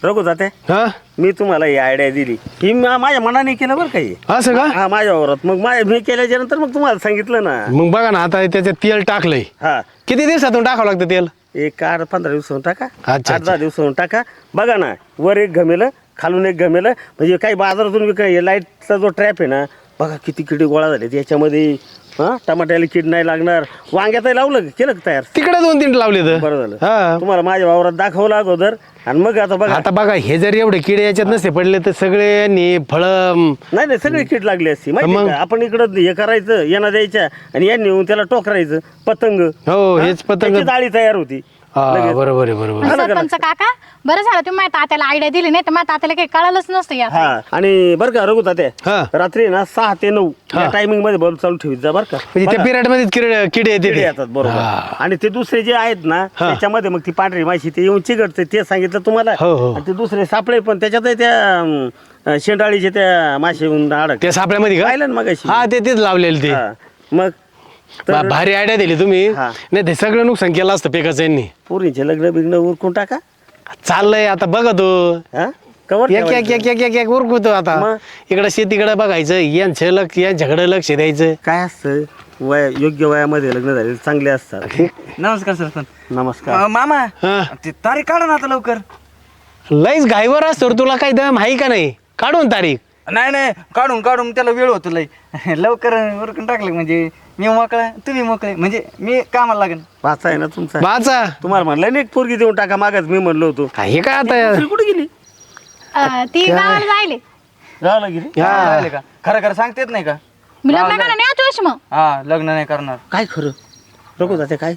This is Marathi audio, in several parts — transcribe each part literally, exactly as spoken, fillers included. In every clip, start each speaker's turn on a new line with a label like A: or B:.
A: रघु जाते
B: हा
A: मी तुम्हाला ही आयडिया दिली ही मा- माझ्या मनाने केलं बरं काही
B: असं का
A: हा माझ्या वावरात मग माझ्या मी केल्याच्या नंतर मग तुम्हाला सांगितलं ना.
B: मग बघा ना आता त्याच्यात तेल टाकलंय
A: हा
B: किती दिवसातून टाकावं लागतं तेल
A: एक आठ पंधरा दिवसाहून टाका
B: अच्छा,
A: आठ दहा
B: अच्छा.
A: दिवसाहून टाका. बघा ना वर एक गमेलं खालून एक गमेलं म्हणजे काही बाजारातून विक लाईटचा जो ट्रॅप आहे ना बघा किती किडी गोळा झाले त्याच्यामध्ये. हा टमाट्याला कीड नाही लागणार. वांग्यातही लावलं केलं का तयार
B: तिकडे दोन तीन लावले तर
A: बरं झालं.
B: हा
A: तुम्हाला माझ्या वावरात दाखवलं अगोदर आणि मग आता बघा
B: आता बघा हे जर एवढे किडे याच्यात नसते पडले तर सगळ्यांनी फळ
A: नाही नाही सगळी कीड लागली असती माहिती
B: मग?
A: का. आपण इकडं हे करायचं यांना द्यायच्या आणि यांनी येऊन त्याला टोकरायचं पतंग.
B: हो
A: हा?
B: हेच पतंग
A: त्याची जाळी तयार होती.
B: हा
A: लगेच.
B: बरोबर आहे बरोबर
C: पण
A: झालं का
C: सरपंच काका बरं झालं तुम्ही माझ्या तात्याला आयडिया दिली नाही तर माझ्या तात्याला काही कळालंच नसतं यात.
A: हा आणि बरं का रघु तात्या
B: हा.
A: रात्री ना सहा ते नऊ
B: हा.
A: या टायमिंग मध्ये बल्ब चालू ठेवीत जा बरं का.
B: म्हणजे त्या
A: बघा,
B: पिरियड मध्ये किडे किडे येते
A: किडे
B: ते.
A: येतात बरोबर.
B: हा.
A: आणि ते दुसरे जे आहेत ना
B: हा.
A: त्याच्यामध्ये मग ती पांढरी माशी ते येऊन चिघटते ते सांगितलं तुम्हाला.
B: हो, हो.
A: आणि ते दुसरे सापळे पण त्याच्यात त्या अं, शेंडाळीचे त्या माशी येऊन अडक
B: त्या सापळ्यामध्ये का
A: पाहिलं ना मगाशी.
B: हा ते तेच लावलेले ते
A: हा. मग
B: बा-
A: तर
B: भारी आयडिया दिली तुम्ही
A: हा.
B: नाही ते सगळं नुकसान केलं असतं पिकाचं यांनी
A: पोरींचे लग्न बिग्न उरकून टाका.
B: चाललंय आता बघा तो
A: हा कवर
B: एक एक एक एक एक एक उरकतो आता
A: मग?
B: इकडे शेतीकडे बघायचं यांचं लक्ष यांच्याकडे लक्ष द्यायचं
A: काय असतं वय योग्य वयामध्ये लग्न झाले चांगले असतात.
D: नमस्कार सरपंच.
A: नमस्कार.
D: अं, मामा
B: हा.
D: ते तारीख काढा ना आता लवकर.
B: लईच घाईवर असतो रे, तुला काही दम आहे का नाही काढून तारीख
D: नाही नाही काढून काढून त्याला वेळ होतो लय लवकर उरकून टाकलं म्हणजे मी मोकळा तुम्ही मोकळे म्हणजे मी कामाला लागेल.
A: वाचा आहे ना तुमचा.
B: वाचा
A: तुम्हाला म्हणलं ना एक पोरगी देऊन टाका मागच मी म्हणलो होतो.
B: हे काय आता
A: दुसरी कुठे गेली
C: अं, ती गावाला जायले
A: राहायला गेली.
B: हा.
D: राहिले का खरं खरं सांगतेत नाही का.
C: मी लग्न करा नाही आता वर्ष मग
D: हा लग्न नाही करणार.
A: काय खरं रघु जाते काय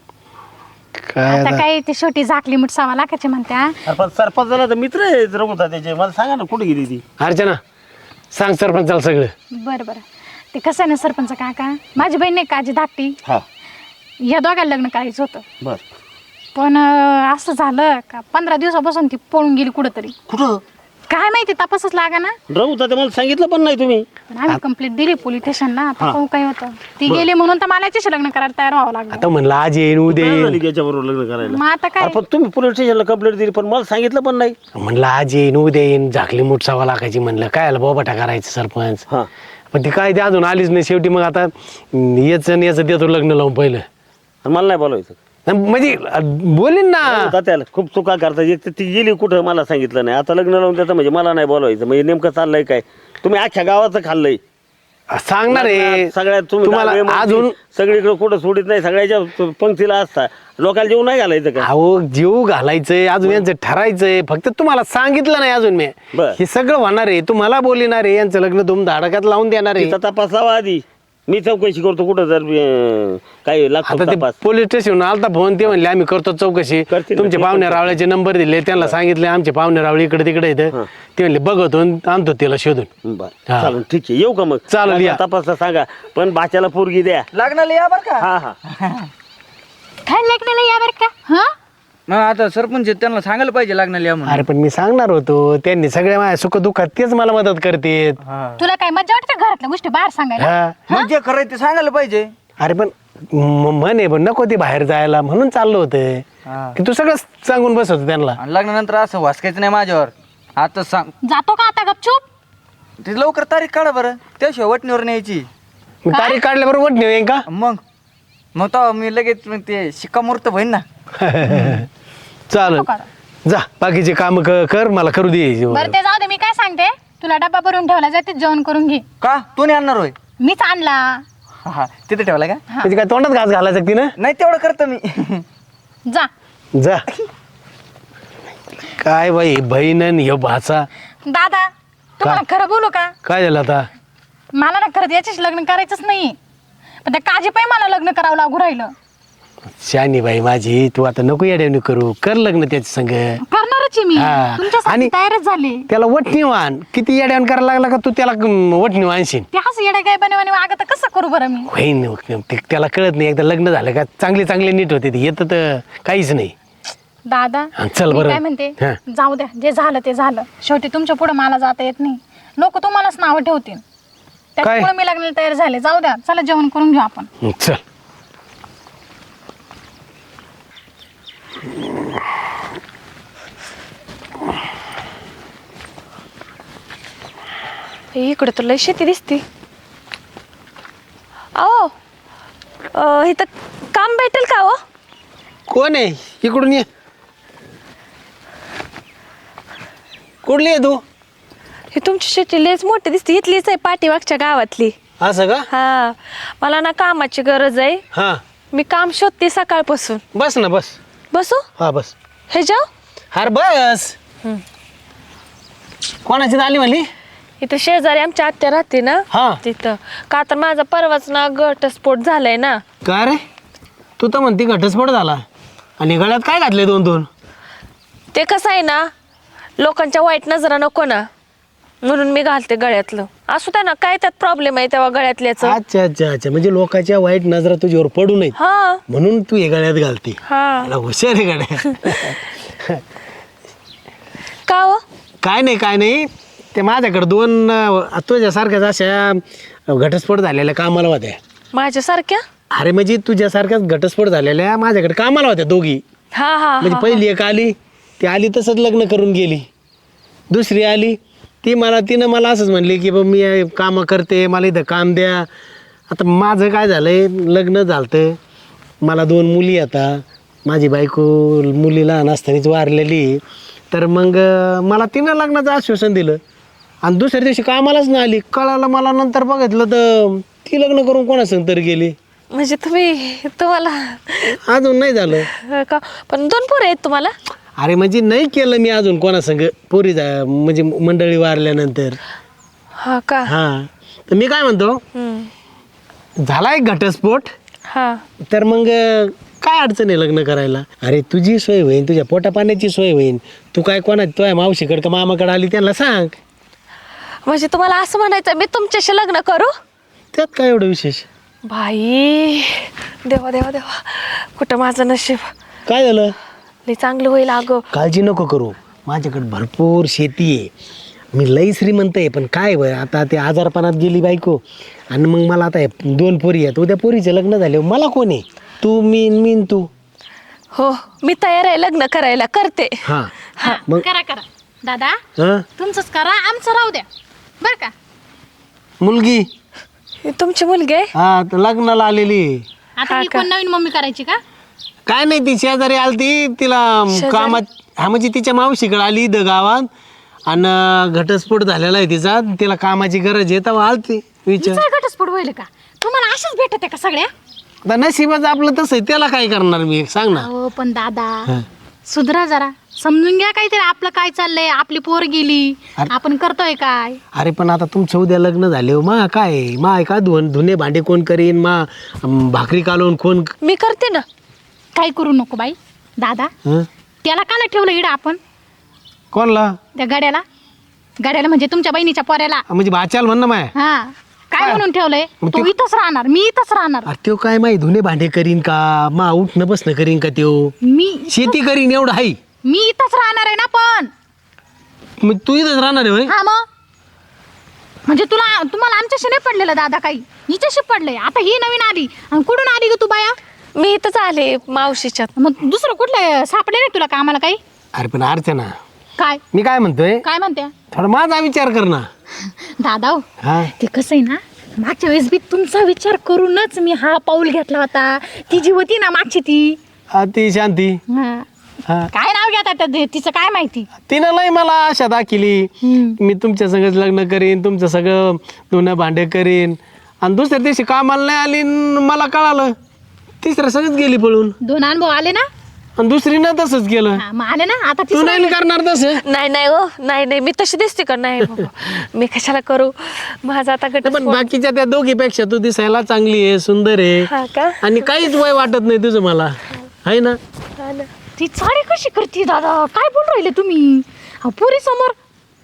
B: काय
C: आता
B: आता?
C: काही ती छोटी झाकली मुठ सव्वा लाखाची म्हणत्या.
A: अरे पण सरपंच झाला तर मित्र आहे रघु त्याचे. मला सांगा ना कुठे गेली ती.
B: अर्चना सांग सरपंचाला सगळं
C: बरं बरं ते कसं आहे ना सरपंच काका माझी बहीण नाही काजी धाकटी
A: हा
C: या दोघांना लग्न करायचं होतं
A: बर
C: पण अं, असं झालं का पंधरा दिवसापासून ती पळून गेली कुठंतरी.
A: कुठं
C: काय माहिती तपासच लागा ना.
A: रघु तात्या मला सांगितलं पण नाही तुम्ही.
C: पण आम्ही कंप्लेंट दिली पोलीस स्टेशनला. आता
A: हा.
C: पाहू काय होतं. ती गेली म्हणून तर मला याच्याशी लग्न करायला तयार व्हावं लागलं.
B: आता म्हणलं आज येईन उद्या
A: काय
B: येईन
A: झाली याच्याबरोबर लग्न करायला.
C: मग आता काय
A: अरे पण तुम्ही पोलीस स्टेशनला कंप्लेंट दिली पण मला सांगितलं पण नाही.
B: म्हणलं आज येईन उद्या येईन झाकली मूठ सव्वा लाखाची म्हणलं काय आलं बोबाटा करायचं सरपंच
A: हा
B: पण ती काय ते अजून आलीच नाही शेवटी मग आता याचं आणि याचं देतो लग्न लावून पहिलं
A: आणि मला नाही बोलायचं.
B: म्हणजे बोलीन ना
A: तात्याला खूप चुका करतात. एक तर ती गेली कुठं मला सांगितलं नाही. आता लग्न लावून त्याचं म्हणजे मला नाही बोलवायचं म्हणजे नेमकं चाललंय काय. तुम्ही अख्ख्या गावाचं खाल्लंय
B: सांगणार आहे
A: सगळ्यात तुम्ही
B: तुम्हाला
A: दहावे म्हणजे
B: अजून
A: सगळीकडे कुठं सोडित नाही. सगळ्याच्या पंक्तीला असता लोकांना जेवण नाही घालायचं का.
B: अहो जीव घालायचंय अजून यांचं ठरायचंय फक्त तुम्हाला सांगितलं नाही अजून मी
A: बर.
B: हे सगळं होणार आहे तुम्हाला बोलणार आहे यांचं लग्न धूम धाडकात लावून देणार आहे
A: तिथं तपासावा आधी. मी चौकशी करतो कुठं जर अं, काही लागतो
B: आता ते
A: तपास.
B: पोलीस स्टेशन आलता फोन ते म्हणले आम्ही करतो चौकशी
A: करतील ना,
B: तुमचे
A: ते
B: पाहुणे
A: पण
B: रावळ्याचे नंबर दिले त्यांना सांगितले आमचे पाहुणे रावळे इकडे तिकडे येतं ते म्हणले बघतो आणि आणतो तिला शोधून
A: बरं
B: हा.
A: चालेल ठीक आहे येऊ का मग.
B: चालेल, या.
A: तपासला सांगा पण बाच्याला पोरगी द्या.
D: लग्नाला या बरं का.
A: हा हा
C: काय लग्न नाही या बरं का. हा
D: मग आता सरपंच आहेत, त्यांना सांगायला पाहिजे लग्नाला या म्हणून.
B: अरे पण मी सांगणार होतो त्यांनी सगळ्या माझ्या सुख दुःखात तेच मला मदत करतेत
D: हा.
C: तुला काय मजा वाटते का घरातल्या गोष्टी बाहेर सांगायला.
B: हा.
D: मग जे खरं आहे ते सांगायला पाहिजे.
B: अरे पण म- म्हणे पण नको ती बाहेर जायला म्हणून चाललं होतं
D: हा.
B: की तू सगळं सांगून बस होतं त्यांना
D: आणि लग्नानंतर असं वासकायचं नाही माझ्यावर. आता सांग
C: जातो का आता गपचूप.
D: ते लवकर तारीख काढा बरं त्याशिवाय वटणीवर न्यायची.
B: मी तारीख काढल्याबरोबर वट नेऊ का
D: मग मग तो मी लगेच मग ते शिक्कामोर्तब होईन ना.
B: चालेल
C: नको करा.
B: जा बाकीचे काम कर मला करू दे
C: बरं ते जाऊ दे मी काय सांगते तुला डबा भरून ठेवला जाते जेवण करून घे.
D: का तू नाही आणणार होय.
C: मीच आणला.
D: हा, हा तिथे ठेवला का.
B: म्हणजे काय तोंडात घास घालायचं ती ना
D: नाही तेवढं करतो मी.
C: जा
B: जा काय बाई बहीण आणि ह्यो भाचा
C: दादा तुम्हाला खरं बोलू का.
B: काय झालं आता
C: मला ना खरं याच्याशी लग्न करायचंच नाही पण त्या काजी पाय मला लग्न करावं लागू राहिलं.
B: शानी बाई माझी तू आता नको येड्यावणी करू कर लग्न त्याच्या संग
C: करणारच आहे मी
B: हा.
C: तुमच्यासाठी
B: आणि-
C: तयारच झाले.
B: त्याला वटणी आण किती येड्यावण करायला लागला का तू त्याला वटणी आणशील
C: ते असं येडा काय बनवाने वागत कसं करू बरं मी.
B: होईन ते त्याला कळत नाही एकदा लग्न झालं का चांगले चांगले नीट होते ते येतं तर काहीच नाही
C: दादा
B: हा, चल
C: मी
B: बरं.
C: काय म्हणते
B: हा.
C: जाऊ द्या जे झालं ते झालं शेवटी तुमच्या पुढे मला जाता येत नाही लोक तुम्हालाच नावं ठेवतील त्याच्यामुळे मी लग्नाला तयार झाले. जाऊ द्या चला जेवण करून घेऊ आपण.
B: हं, चल
E: इकडे तर लय शेती दिसती. अहो अं, इथं काम भेटेल का हो?
B: कोण आहे इकडून ये. कुठली आहे तू?
E: ही तुमची शेती लयच मोठी दिसते. इथलीच आहे पाठीमागच्या गावातली.
B: असं का?
E: हा मला ना कामाची गरज आहे.
B: हा
E: मी काम शोधते सकाळपासून.
B: बस ना बस.
E: बसू
B: हा बस.
E: हे जाऊ.
B: हार बस. कोणाची आली म्हणली?
E: इथं शेजारी आमच्या आत्या राहते ना
B: हा.
E: तिथं. का तर माझा परवाच ना घटस्फोट झालाय ना.
B: का रे तू तर म्हणती घटस्फोट झाला आणि गळ्यात काय घातले दोन दोन?
E: ते कसं आहे ना, लोकांच्या वाईट नजरा नको ना, म्हणून मी घालते गळ्यातलं. असू द्या ना, काय त्यात प्रॉब्लेम आहे तेव्हा गळ्यातल्याच.
B: अच्छा अच्छा अच्छा म्हणजे लोकांच्या वाईट नजरा तुझ्यावर पडू नये
E: हा
B: म्हणून तू हे गळ्यात घालते.
E: हा.
B: मला हुशार आहे गड्या.
E: का हो?
B: काय नाही काय नाही ते माझ्याकडे दोन अं, तुझ्यासारख्याच अशा घटस्फोट झालेल्या कामाला होत्या.
E: माझ्यासारख्या?
B: अरे म्हणजे तुझ्यासारख्याच घटस्फोट झालेल्या माझ्याकडे कामाला होत्या दोघी.
E: हा हा
B: म्हणजे
E: हा,
B: पहिली एक आली ती आली तसंच लग्न करून गेली. दुसरी आली ती मला तिनं मला असंच म्हणली की बा मी कामं करते मला इथं काम द्या. आता माझं काय झालं आहे लग्न झालं मला दोन मुली आता माझी बायको मुली लहान असतानाच वारलेली. तर मग मला तिनं लग्नाचं आश्वासन दिलं आणि दुसऱ्या दिवशी कामालाच नाही आली. कळालं मला नंतर बघितलं तर ती लग्न करून कोणासंग तरी गेली.
E: म्हणजे तुम्ही तुम्हाला
B: अजून नाही झालं.
E: अं, का पण दोन पोरं आहेत तुम्हाला?
B: अरे म्हणजे नाही केलं मी अजून कोणासंग पोरी जा म्हणजे मंडळी वारल्यानंतर.
E: हा का?
B: हां तर मी काय म्हणतो
E: हम्म.
B: झाला एक घटस्फोट
E: हा
B: तर मग काय अडचण आहे लग्न करायला? अरे तुझी सोय होईन तुझ्या पोटा पाण्याची सोय होईन. तू काय कोणा तुझ्या मावशीकडे का मामाकडे आली त्यांना सांग.
E: म्हणजे तुम्हाला असं म्हणायचं मी तुमच्याशी लग्न करू?
B: त्यात काय एवढं विशेष?
E: बाई देवा देवा देवा, कुठं माझं नशीब.
B: काय झालं?
E: लई चांगलं होईल अगं.
B: काळजी नको करू माझ्याकडे भरपूर शेती आहे. मी लई श्रीमंत आहे पण काय वय आता ते आजारपणात गेली बायको आणि मग मला आता हे दोन पोरी आहेत. उद्या पोरीचे लग्न झाले मला कोण आहे? तू मी मी न तू.
E: हो मी तयार आहे लग्न करायला. करते.
B: हां
C: हा,
B: मग
C: करा करा दादा,
B: हां
C: तुमचंच करा, आमचं राहू द्या बर का.
B: मुलगी
E: ही तुमची मुलगी आहे?
B: हा तर लग्नाला आलेली.
C: आता
E: हा
C: ही
E: का?
C: कोण नवीन मम्मी करायची का?
B: काय नाही ती शेजारी आलती तिला
E: शेजारी?
B: कामात हा म्हणजे तिच्या मावशीकडे आली इथं गावात आणि घटस्फोट झालेला आहे तिचा तिला कामाची गरज आहे तेव्हा आलती विचार.
C: हिचा घटस्फोट होईल का? तुम्हाला अशाच भेटत आहे का सगळ्या?
B: आता नशिबाचं आपलं तसं आहे त्याला काय करणार मी सांग ना.
C: हो पण दादा सुधरा जरा, समजून घ्या काहीतरी आपलं काय चाललंय. आपली पोर गेली,
B: अरे-
C: आपण करतोय काय?
B: अरे पण आता तुमचं उद्या लग्न झाले मा काय मा काय धुवून धुणे भांडे कोण करीन मा अं, भाकरी कालवून कोण
E: मी करते ना.
C: काय करू नको बाई दादा.
B: हं?
C: त्याला का नाही ठेवलं इडं आपण?
B: कोणला?
C: त्या गाड्याला गाड्याला म्हणजे तुमच्या बहिणीच्या पोऱ्याला.
B: म्हणजे भाच्याल म्हणणं माय.
C: हा काय म्हणून ठेवलंय?
B: मग
C: तो
B: ते-
C: इथंच राहणार, मी इथंच राहणार.
B: अरे त्यो काय माही धुणे भांडे करीन का मा उठणं बसणं करीन का त्यो
C: मी
B: शेती करीन एवढं हाय.
C: मी इथंच राहणार आहे ना. पण
B: मग तू इथंच राहणार आहे होय?
C: हा मग म्हणजे तुला तुम्हाला आमच्याशी नाही पडलेलं दादा काही, हिच्याशी पडलंय. आता ही नवीन आली आणि कुठून आली ग तू बाया?
E: मी इथंच आले मावशीच्यात.
C: मग दुसरं कुठलं सापडले नाही तुला कामाला काही?
B: अरे पण अर्चना
C: काय
B: मी काय म्हणतोय
C: काय म्हणते
B: थोडा माझा विचार कर ना.
C: दादा हो,
B: हा
C: ते कसं आहे ना, मागच्या वेळेस बी तुमचा विचार करूनच मी हा पाऊल घेतला होता. ती जी होती ना मागची ती
B: हा, ती शांती
C: हा.
B: हा
C: काय नाव घेतात त्या- तिचं काय माहिती.
B: तिनं लय मला आशा दाखिली
C: हम्म.
B: मी तुमच्या सगळं लग्न करीन तुमचं सगळं धुणं भांडे करीन आणि दुसऱ्या दिवशी कामाला नाही आली न मला कळालं. तिसऱ्या सगळंच गेली पळून
C: दोन अनुभव आले ना.
B: आणि दुसरी ना तसंच केलं.
C: हा, मग आले ना आता
B: तू
C: तिसरं
B: नाही करणार तसं.
E: नाही नाही हो, नाही नाही मी तशी दिसते का? नाही बाबा. मी कशाला करू. माझा आता गट
B: पण बाकीच्या त्या दोघीपेक्षा तू दिसायला चांगली आहे सुंदर
E: हा
B: आहे
E: का?
B: आणि काहीच वय वाटत नाही तुझं मला आहे ना.
E: हा ना.
C: ती साडी कशी करते दादा? काय बोल राहिले तुम्ही पुरी समोर?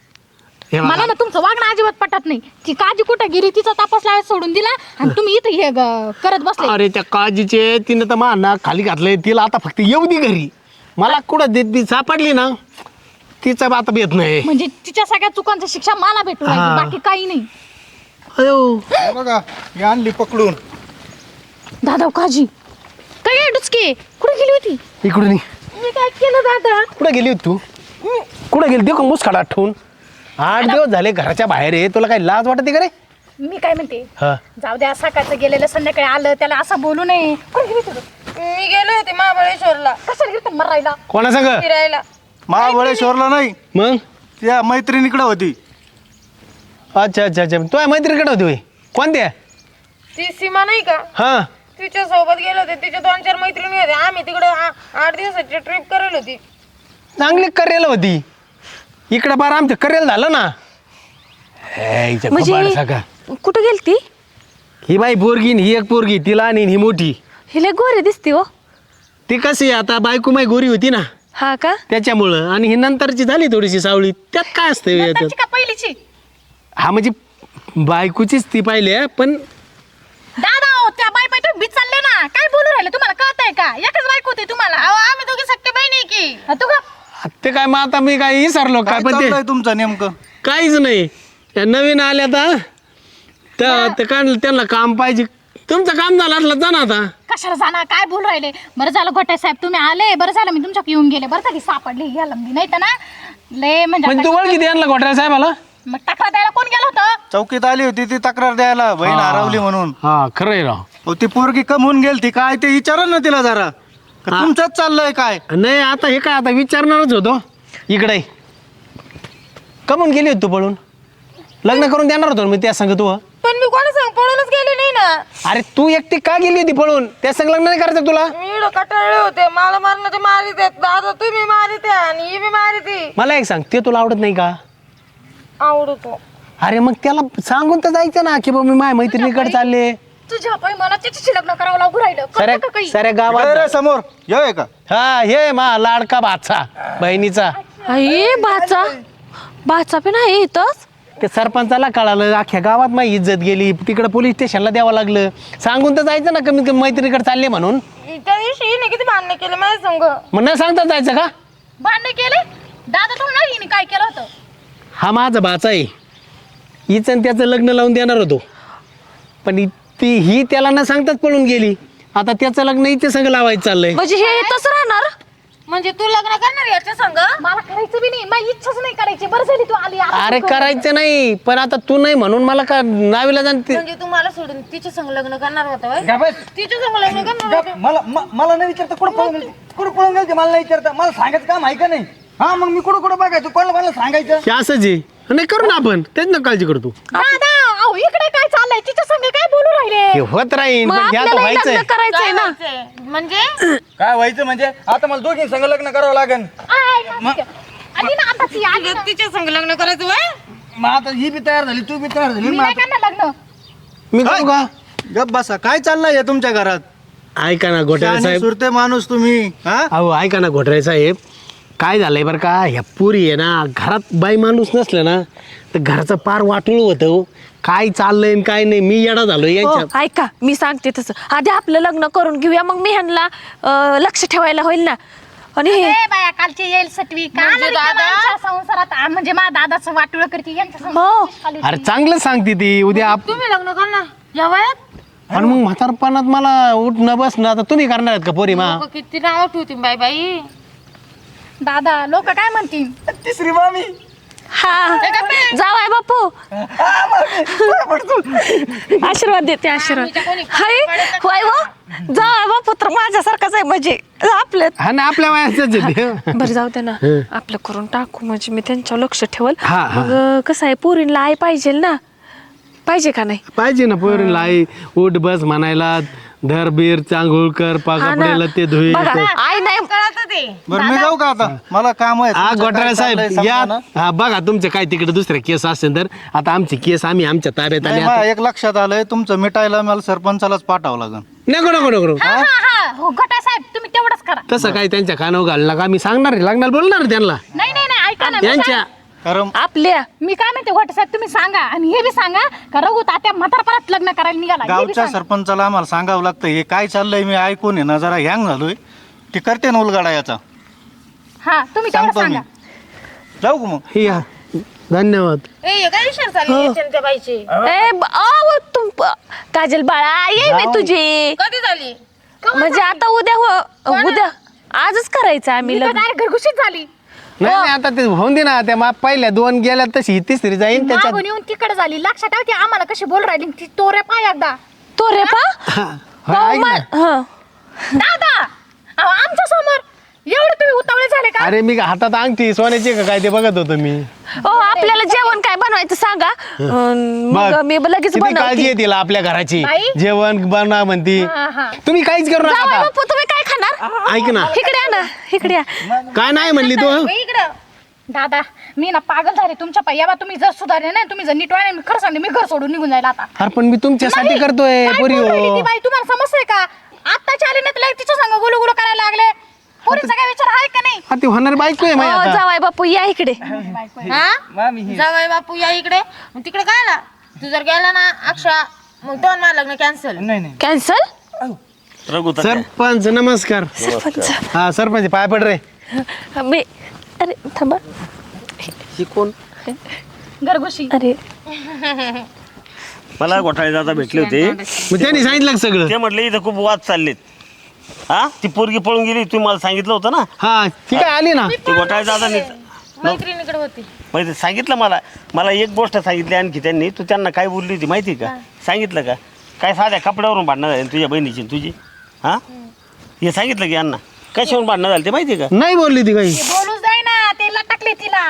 B: हे बघा,
C: मला ना तुमचं वागणं अजिबात पटत नाही. ती काजी कुठं गेली तिचा तपास लावायला सोडून दिला आणि तुम्ही इथं हे ग- करत बसले.
B: अरे त्या काळजीचे तिनं तर मान खाली घातलंय तिला आता फक्त येऊ दे घरी. मला कुठं देत ती सापडली ना तिचा आता येत नाही.
C: म्हणजे तिच्या सगळ्या चुकांचं शिक्षा मला भेटू
B: हा.
C: राहिली, बाकी काही नाही.
B: अयो
F: हे बघा मी आणली पकडून.
C: दादा काजी काय आहे डुचके? कुठे गेली होती?
B: इकडून ये.
C: मी काय केलं दादा?
B: कुठं गेली होती तू? कुठं गेली ते मुसकाडा ठेवून आठ दिवस झाले घराच्या बाहेर आहे, तुला काही लाज वाटते का रे?
C: मी काय म्हणते
B: हा
C: जाऊ द्या, सकाळचं गेलेलं संध्याकाळी आलं, त्याला असं बोलू नये. कोण गेली तू?
G: मी गेले होते महाबळेश्वरला
C: कशाला गेली मरायला?
B: कोणा सांग
G: फिरायला.
F: महाबळेश्वरला नाही,
B: मग?
F: त्या मैत्रिणीकडे होती.
B: अच्छा अच्छा अच्छा तुझ्या मैत्रिणीकडे होती होय? कोणत्या?
G: ती सीमा नाही का,
B: हा
G: तिच्या सोबत गेले होते. तिच्या दोन चार मैत्रिणी होते. आम्ही तिकडे आठ दिवसाची ट्रिप करेल होती.
B: चांगली करेल होती. इकडं बार आमचं करेल झालं ना. हे, हिच्या खबार सगळं.
E: म्हणजे कुठं गेलती?
B: ही बाई पोरगी न ही एक पोरगी, ती लहान आणि ही मोठी.
E: हिले गोरी दिसती हो.
B: ती कशी आता बायको माई गोरी होती ना
E: हा का?
B: त्याच्यामुळं, आणि ही नंतरची झाली थोडीशी सावळी. त्यात काय असतं याच्यात?
C: नंतरची का पहिलीची?
B: हा म्हणजे बायकोचीच ती पाहिली आहे, पण
C: दादा हो, त्या बाई बाई तुम्ही चालले ना, काय बोलू राहिले? तुम्हाला कळतंय का? एकच बायको होती तुम्हाला.
G: अहो, आम्ही दोघी सख्या बहिणी की.
C: हा, तू का?
B: ते काय मग आता मी काय विसरलो काय,
F: काय
B: पण ते
F: चाललंय तुमचं नेमकं?
B: काहीच नाही. त्या नवीन आल्या आता ते काय त्यांना काम पाहिजे. तुमचं काम झालं असलं जा ना आता.
C: कशाला जाणार? काय बोलू राहिले? बरं झालं गोटे साहेब तुम्ही आले, बरं झालं मी तुमच्याकडे येऊन गेले. बरं झाली सापडली याला, नाही तर ना लय म्हणजे
B: म्हणजे तू ओळखी द्यायला घोटाळ्या साहेबाला?
C: मग तक्रार द्यायला कोण गेलं होतं?
F: चौकीत आली होती ती तक्रार द्यायला, बहीण हरवली म्हणून.
B: हा खरं आहे राव.
F: अहो, ती पोरगी कमवून गेलती काय ते विचारा ना तिला जरा. का तुमचंच चाललंय काय?
B: नाही आता हे काय आता विचारणारच होतो. इकडे कमून गेली होती तू पळून? लग्न करून देणार होतो ना मी त्या संग तू.
G: पण मी कोणा सांग पळूनच गेले नाही ना.
B: अरे तू एकटी का गेली होती पळून? त्या संग लग्न नाही करायचं तुला?
G: मी इकडं कटाळले होते. मला मारण्याचे मारित आहेत. दादा तुम्ही मारित आहे आणि ही बी मारिते.
B: मला एक सांग, ते तुला आवडत नाही का?
G: आवडतो.
B: अरे मग त्याला सांगून तर जायचं ना की बाबा मी माझ्या मैत्रिणीकडे चालले.
C: तुझ्या पाय मला त्याच्याशी लग्न करावं लागू राहिलं.
B: साऱ्या
C: कळतं का काही?
B: साऱ्या
F: इकडे
B: गावात
F: रे समोर येऊ का?
B: हा हे मा लाडका भाचा बहिणीचा.
E: आई भाचा भाचा पण आहे इथंच.
B: ते सरपंचाला कळालं, अख्ख्या गावात माझी इज्जत गेली. तिकडे पोलीस स्टेशनला द्यावं लागलं. सांगून तर जायचं ना कमी कमी मैत्रिणीकडे चालले म्हणून.
G: त्या दिवशी हिने किती भांडणे केले माझ्या संग.
B: मग न सांगता जायचं का?
C: भांडण केले दादा तो नाही हिने काय केलं होतं?
B: हा माझा भाचा आहे. हिचं आणि त्याचं लग्न लावून देणार होतो, पण इ- ती ही त्याला न सांगताच पळून गेली. आता त्याचं लग्न हिच्या संग लावायचं चाललंय.
E: म्हणजे हे इथंच राहणार?
G: म्हणजे तू लग्न करणार याच्या संग?
C: मला करायचं बी नाही, माझी इच्छाच नाही करायची. बरं झाली तू आली. आता
B: अरे
C: तू कर.
B: करायचं नाही, पण आता तू नाही म्हणून मला का नावीला जाणते.
G: म्हणजे तू मला सोडून तिच्या संग लग्न करणार होता होय?
D: का बस?
G: तिच्या संग लग्न करणार होता?
D: मला म- मला नाही विचारता कुठं पळून गेलती कुठं पळून गेलती मला नाही विचारता. मला सांगायचं काम आहे का नाही? हा मग मी कुठं कुठं बघायचं कोणाला मला सांगायचं.
B: हे असंच आहे. नाही करू ना आपण, तेच ना काळजी करतो.
C: दादा अहो इकडे काय चाललंय? तिच्या संग काय बोलू राहिले?
B: हे होत राहील,
E: मग
B: पण हे आता
E: आपल्याला
B: व्हायचंय.
E: लग्न करायचंय ना.
G: व्हायचंय? म्हणजे
D: काय व्हायचं म्हणजे आता मला दोघी संग लग्न करावं लागेल.
C: आय, आली ना आता ती आली ना.
G: तिच्या संग लग्न करायचं वय?
D: मग आता ही बी तयार झाली तू बी तयार झाली.
C: मी
D: मग
C: नाही
D: आता-
C: करणार लग्न.
B: मी करू का?
F: गप बसा. काय चाललंय हे तुमच्या घरात?
B: ऐका ना घोटाळे
F: शहाणे
B: साहेब.
F: सुरते माणूस तुम्ही. हा
B: अहो ऐका ना घोटाळे साहेब, काय झालंय बरं का, ह्या पुरी आहे ना, घरात बाई माणूस नसलं ना तर घराचं पार वाटूळ होतं. काय चाललंय आणि काय नाही, मी येडा झालोय
E: हो,
B: यांच्या.
E: ऐका मी सांगते तसं. आधी आपलं लग्न करून घेऊया, मग मी ह्यांना अं, लक्ष ठेवायला होईल ना. आणि हे
C: ए बाया कालची येईल सटवी का
G: म्हणजे
C: आली का
G: दादा?
C: आमच्या संसारात आ, म्हणजे माझ्या दादाचं वाटुळ करते यांच्या
E: हो.
C: संसारात खाली
B: अरे
C: होती.
B: चांगलं सांगते ती. उद्या आप-
G: तुम्ही लग्न करणार या वयात?
B: आणि मग म्हातारपणात मला उठणं बसणं आता तुम्ही करणार आहेत का पोरी मा?
G: लोकं किती नाव ठेवतील बाई बाई.
C: दादा लोक काय म्हणतील?
D: तिसरी मामी
E: हा जावाय बापू आशीर्वाद देते आशीर्वाद. हाय होय व जावाय बापू तर माझ्यासारखाच आहे. म्हणजे आपलं
B: हा ना आपल्या वयाचंच आहे ते.
E: बरं जाऊ दे ना, आपलं करून टाकू म्हणजे मी त्यांच्यावर लक्ष ठेवल.
B: हा, हा.
E: मग कसं आहे पोरींला आई पाहिजे ना, पाहिजे का नाही?
B: पाहिजे ना पोरीला आई उठ बस म्हणायला, धर बीर चांगुळ कर,
E: हा ना.
B: पाकपडेला ते धुई.
E: बघा, आई नाही
G: कळत ते.
F: बरं मी जाऊ का आता? मला काम आहे.
B: हा
F: तुमचं
B: घोटाळे
F: काय
B: साहेब
F: चाललंय
B: या.
F: समजा ना.
B: हा बघा तुमचे काय तिकडे दुसरे केस असेल तर आता आमची केस आम्ही आमच्या ताब्यात आले
F: नाही,
B: आता.
F: मला एक लक्षात आलंय, तुमचं मिटायला मला सरपंचालाच पाठावं लागेल.
B: नको नको नको
C: हा हा हा हो गटा साहेब तुम्ही तेवढंच करा.
B: तसं काय त्यांच्या कानावर घालू नका. मी सांगणार आहे, लागणार बोलणार आहे त्यांना
C: नाही नाही नाही ऐका ना मी
B: त्यांच्या.
F: कारण
E: आपल्या
C: मी काय म्हणते घोटे साहेब तुम्ही सांगा आणि हे बी सांगा का रघु तात्या म्हातारपणात लग्न करायला निघाला हे बी
F: गावच्या
C: सांगा.
F: सरपंचाला आम्हाला सांगावं लागतं हे काय चाललंय. मी ऐकून आहे ना जरा हँग झालोय. ती करते ना उलगाडा याचा.
C: हा तुम्ही तेवढं
F: सांगतो मी.
C: सांगा.
F: जाऊ का मग?
B: हे या धन्यवाद.
G: ए हे काय विचार चालली याच्यानं त्या बाईची?
E: ए ब- अहो, तुम काजल बाळा ये मी तुझी.
G: कधी झाली?
E: म्हणजे आता उद्या हो उद्या आजच करायचं आम्ही
C: मी तर
E: लग्न.
C: डायरेक्ट घरगुशीच झाली.
B: नाही नाही आता ते होऊन दे ना त्या मा पहिल्या दोन गेल्या तशी ही तिसरी जाईन त्याच्यात
C: मागून येऊन तिकडे झाली लक्षात ठेव ती आम्हाला कशी बोल राहिली ती तोरे पाय एकदा
E: तो रे पा
B: हा, हा, ऐक ना.
E: हा
C: दादा अहो, आमच्या समोर एवढे तुम्ही उतावळे झाले का
B: अरे मी हातात अंगठी सोन्याची का काय ते बघत होतो मी
E: हो आपल्याला जेवण काय बनवायचं सांगा अं, मग
B: बघ,
E: मी लगेच
B: किती काळजी
E: बनवते
B: आहे तिला आपल्या घराची
C: बाई?
B: जेवण बनवा म्हणती
C: हा, हा.
B: तुम्ही काहीच करू
E: जावई
B: नका
E: बापू तुम्ही काय खाणार
B: ऐक ना
E: इकडे या ना इकडे या
B: काय नाही म्हणली तू
C: बाई, इकडं दादा मी ना पागल झाले तुमच्या पायी बा तुम्ही जर सुधारले नाही तुम्ही जर नीट वाढले मी खरं सांगते मी घर सोडून निघून जायला आता
B: अरे पण मी तुमच्यासाठी
C: नाही,
B: करतोय
C: काय
B: पोरी
C: बोलू राहिली
B: हो
C: ती बाई तुम्हाला समजतंय का आत्ताची आली नाही तर लगेच तिच्या संग गुलू गुलू करायला लागले पोरीचा काय विचार आहे का नाही
B: हा, ती होणार बायको आहे माझी
E: हो,
B: आता
E: जावई बापू या इकडे
G: हा
D: मामी हे
G: जावई बापू या इकडे मग तिकडे काय ना तू जर गेला ना अक्षा मग दोन मला लग्न कॅन्सल
D: नाही नाही
E: कॅन्सल
A: रघु
B: सरपंच नमस्कार
E: सरपंच
B: हा सरपंच पाय पड रे
E: मी अरे थांबा
A: ही कोण
C: घरगुशी
E: अरे
A: मला घोटाळे दादा भेटले होते
B: मग त्यांनी सांगितलं का सगळं
A: ते म्हटले इथं खूप वाद चाललेत हा ती पोरगी पळून गेली तुम्ही मला सांगितलं होतं ना
B: हा ती काय आली ना
A: ते घोटाळे दादा
G: मैत्रिणीकडे होती
A: माहिती सांगितलं मला मला एक गोष्ट सांगितली आणखी त्यांनी तू त्यांना काय बोलली होती माहिती का सांगितलं का काय साध्या कपड्यावरून भांडणं झाली तुझ्या बहिणीची आणि तुझी हा हे सांगितलं की यांना कशावरून भांडणं झाली ते माहिती का
B: नाही बोलली ती काही
C: ते बोलूच जाय ना तेला टाकले तिला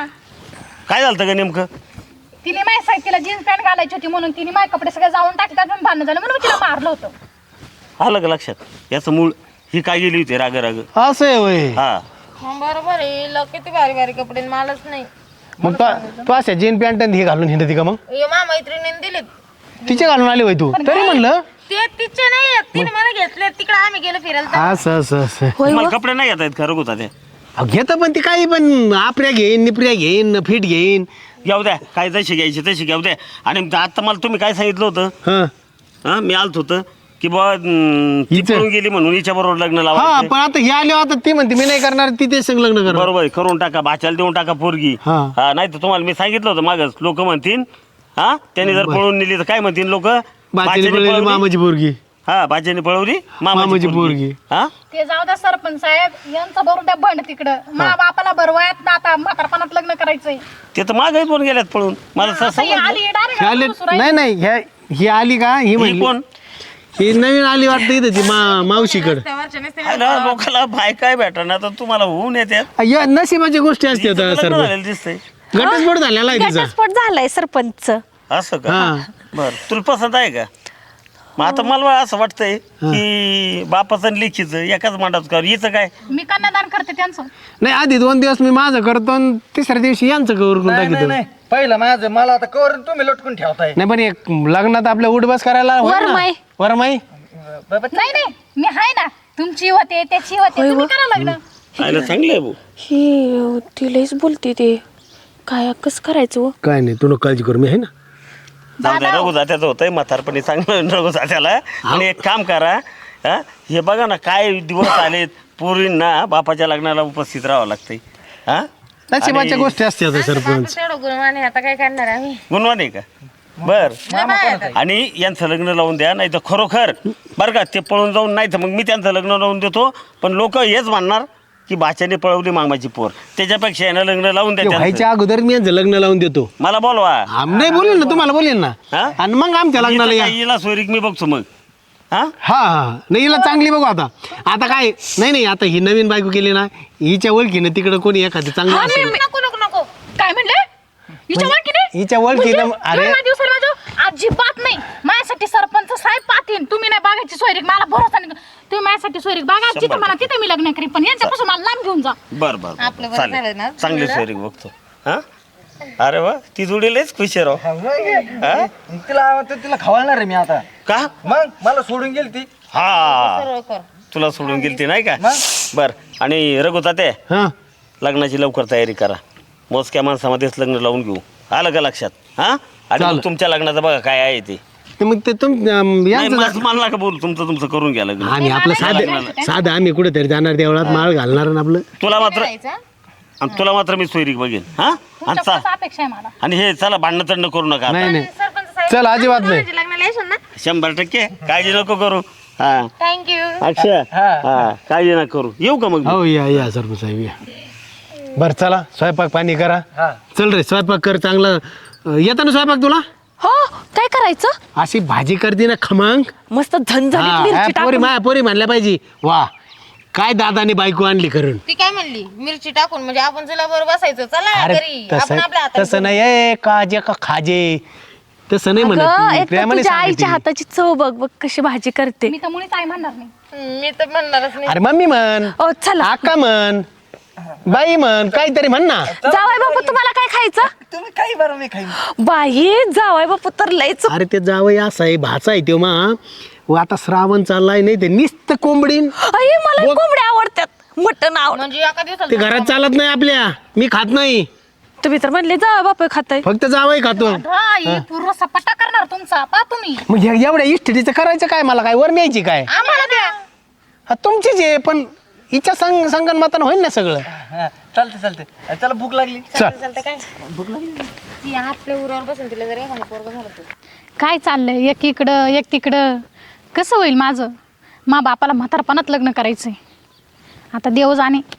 A: काय झालं का नेमकं
C: तिने माझ्या साईड तिला जीन्स पॅन्ट घालायची होती म्हणून तिने माझे कपडे सगळे जाऊन टाकले त्यातून भांडण झालं म्हणून मी तिला मारलं होतं
A: आलं का लक्षात याचं मूळ ही काय गेली होती राग राग
B: असं आहे वय
A: हा
G: हं, बरोबर आहे हिला किती भारी भारी कपडे आणि मलाच नाही
B: मग तू तू अशा जीन पॅन्ट हे घालून हिंडती का मग
G: हे मा मैत्रिणीने दिलेत
B: तिचे घालून आली वय तू तरी म्हणलं
G: ते तिचे नाही आहेत. तिने मला घेतले तिकडे आम्ही गेलो फिरायला तर.
B: असं असं असं
A: तुम्हाला कपडे नाही घेता येत खरं होता ते
B: घेत पण ती काही पण आपऱ्या घेईन निपऱ्या घेईन फिट घेईन
A: घेऊ द्या काय तशी घ्यायची तशी घेऊ द्या आणि आता मला तुम्ही काय सांगितलं होतं
B: हा
A: हा मी आलत होतं की बाबा अं, ती
B: हिचं?
A: पळून गेली म्हणून हिच्या बरोबर लग्न
B: हा
A: लावायचं
B: पण आता हे आले आता ती म्हणते मी नाही करणार ती तेच संग लग्न करणार
A: बरोबर आहे, करून टाका भाच्याला देऊन टाका पोरगी
B: हा.
A: हा नाही तर तुम्हाला मी सांगितलं होतं मागच लोक म्हणतील हा त्यांनी जर पळून नेली तर काय म्हणतील लोक
B: बाचेली पळली मामाची पोरगी
A: हा भाच्याने पळवली
B: मामाची
A: मामाची
B: पोरगी.
A: पोरगी हा
C: ते जाऊ द्या सरपंच साहेब यांचं भरून द्या बंड तिकडं मा बापाला भरवायात ना आता म्हातारपणात लग्न करायचंय
A: ते तर मागही पण गेल्यात पळून मला
C: आता
A: तसं
C: ही आली
B: हे आले
C: डायरेक्ट
B: नाही नाही ह्या ही आली का ही
A: ही
B: म्हणली
A: कोण
B: ही नवीन आली वाटतं इथं ती मा मावशीकडं
G: त्यावरच्या नसते
A: हाय ना, लोकाला बाय काय भेटणार तर तुम्हाला होऊन येतात
B: या नशिबाची गोष्टी असतात
A: लग्न
B: सर
A: झालेलं दिसतंय
B: घटस्फोट झालेला आहे तिचा
E: घटस्फोट झालाय सरपंच
A: असं का
B: हा.
A: बर तुला पसंत आहे का मग आता मला असं वाटतंय की बापाचं आणि लेखीचं एकाच मांडात कर हिचं काय
C: मी कन्यादान करते त्यांचं
B: नाही आधी दोन दिवस मी माझं करतो आणि तिसऱ्या दिवशी यांचं करून
D: नाही नाही,
B: टाकतो
D: नाही पहिलं माझं मला आता कवर तुम्ही लटकून ठेवताय
B: नाही पण एक लग्नात आपल्या उठबस करायला होईल ना?
E: वरमाई.
B: वरमाई
D: बाबा
C: नाही नाही मी आहे ना तुमची होते त्याची होते तुम्ही करा लग्न
A: आयला चांगलं आहे भाऊ
E: ही तिलाच बोलते ते काय कसं करायचं हो?
B: काय नाही तू नको काळजी करू मी आहे ना
A: जाऊ द्या रघु जात्याचं होतंय म्हातारपणी चांगलं रघु जात्याला आणि एक काम करा हा हे बघा ना काय दिवस आलेत पोरींना बापाच्या लग्नाला उपस्थित राहावं लागतंय हा
B: नशिबाच्या गोष्टी असतात सरपंच
G: तेवढं गुणवाने आता काय करणार आम्ही
A: गुणवान आहे का बर
G: लय बाया आहेत.
A: आणि यांचं लग्न लावून द्या नाही तर खरोखर बरं का ते पळून जाऊन नाही तर मग मी त्यांचं लग्न लावून देतो पण लोक हेच म्हणणार की बाच्याने पळवली मामाची पोर त्याच्यापेक्षा यांना लग्न लावून द्या
B: ते
A: त्यांचं.
B: व्हायच्या अगोदर मी यांचं लग्न लावून देतो
A: मला बोलवा
B: आम नाही बोलेन ना तुम्हाला बोलेन ना
A: हा?
B: आणि मग आमच्या लग्नाला या
A: हिला सोयरीक मी बघतो मग हा
B: हा हा नाही हिला चांगली बघू आता आता काय नाही नाही आता ही नवीन बायको केली ना हिच्या ओळखीनं तिकडं कोणी एखादी चांगलं असेल
G: नको नको नको
C: काय म्हणले हिच्या ओळखीने
B: हिच्या ओळखीनं अरे
C: एवढ्या दिवसाला माझं अजिबात नाही माझ्यासाठी सरपंच साहेब पाहतीन तुम्ही नाही बागायची सोयरीक मला भरोसा नाही तुम्ही माझ्यासाठी सोयरीक बागा जिथे मला तिथे मी लग्न करीन पण यांच्यापासून मला लांब घेऊन जा
A: बर बर, बर
G: आपलं बरं झालं
A: चालेल
G: ना,
A: चांगली
G: जुळलं.
A: सोयरीक बघतो हा अरे वा ती जोडीलाच खुश आहे राव हा?
D: तिला आवडतं तिला खवळणार आहे मी आता
A: का
D: मग मला सोडून गेली ती
A: हा
G: सरळ कर
A: तुला सोडून गेली ती नाही का
D: मग?
A: बर आणि रघु ताते
B: हा
A: लग्नाची लवकर तयारी करा मोजक्या माणसामध्येच लग्न लावून घेऊ आलं का लक्षात हा आणि
B: चालेल.
A: मग तुमच्या लग्नाचं बघा काय आहे ते
B: ते मग ते तुम अं,
A: नाही,
B: यांचं
A: मला मला नका बोलू तुमचं तुमचं करून घ्या लग्न
B: आणि आपलं साधं साधं आम्ही कुठेतरी जाणार देवळात माळ घालणार आणि आपलं
A: तुला मात्र
G: करायचं
A: आणि तुला मात्र मी सोयरीक बघेन हा आणि
C: तुमच्या
A: चा-
C: अपेक्षा आहे मला
A: आणि हे चला भांडणं तंड करू नका आता.
B: नाही नाही
G: सरपंच साहेब
B: चल अजिबात नाही
G: माझ्या लग्नाला येशील ना
A: शंभर टक्के काळजी नको करू हा
G: थँक्यू
A: अक्षय हा काळजी नका करू येऊ का मग मी?
B: हो या या सरपंच साहेब या बरं चला स्वयंपाक पाणी करा
D: हा.
B: चल रे स्वयंपाक कर चांगला अं, येतं ना स्वयंपाक तुला
E: हो काय करायचं
B: अशी भाजी करते ना खमंग
E: मस्त झणझणीत
B: हा,
E: मिरची
B: ह्या पोरी
E: टाकून
B: माया पोरी म्हणल्या पाहिजे वा काय दादाने बायको आणली करून
G: ती काय म्हणली मिरची टाकून म्हणजे आपण तुला बरोबर बसायचं चला
B: अरे
G: घरी आपण
B: तसं
G: आपल्या हातात
B: तसं नाही ए काजे का खाजे तसं नाही म्हणत
E: अगं,
B: ती.
E: एक तर
B: प्रेमाने
E: तुझ्या
B: सांगते
E: आईच्या
B: ती.
E: हाताची चव बघ बघ कशी भाजी करते
C: मी तर मुळीच आई म्हणणार नाही.
G: मी तर म्हणणारच नाही
B: अरे मम्मी म्हण
E: ओ चला
B: आका म्हण बाई म्हण काहीतरी म्हण ना
E: जावाय बापू तुम्हाला काय खायचं
D: तुम्ही काही बरं मी खाईन
E: बाई जावाय बापू तर लयच
B: अरे ते जावई असा आहे भाचा आहे तो मा व आता श्रावण चाललाय नाही ते निस्त कोंबडीन
E: आई मला कोंबड्या आवडतात मटण आवड
G: म्हणजे एका दिवसाला
B: ते घरात चालत नाही आपल्या मी खात नाही
E: तुम्ही तर म्हणले जावा बापू खाताय
B: फक्त जावई खातो
C: हा ही पूर्ण सपाटा करणार तुमचा पा तुम्ही.
B: मग हे- एवढ्या इष्टीचं करायचं काय मला काय वर न्यायची काय
G: आम्हाला द्या
B: हा, तुमचीच आहे पण हिच्या संग संगनमतानं होईल ना सगळं
D: हा, चालते चालते चला भूक लागली
B: चल
G: चालतं काय ती आपल्या उरावर बसून तिला जर एखादं पोरगं झालं तर.
C: काय चाललंय एक इकडं एक तिकडं कसं होईल माझं मा बापाला म्हातारपणात लग्न करायचंय आता देव जाणे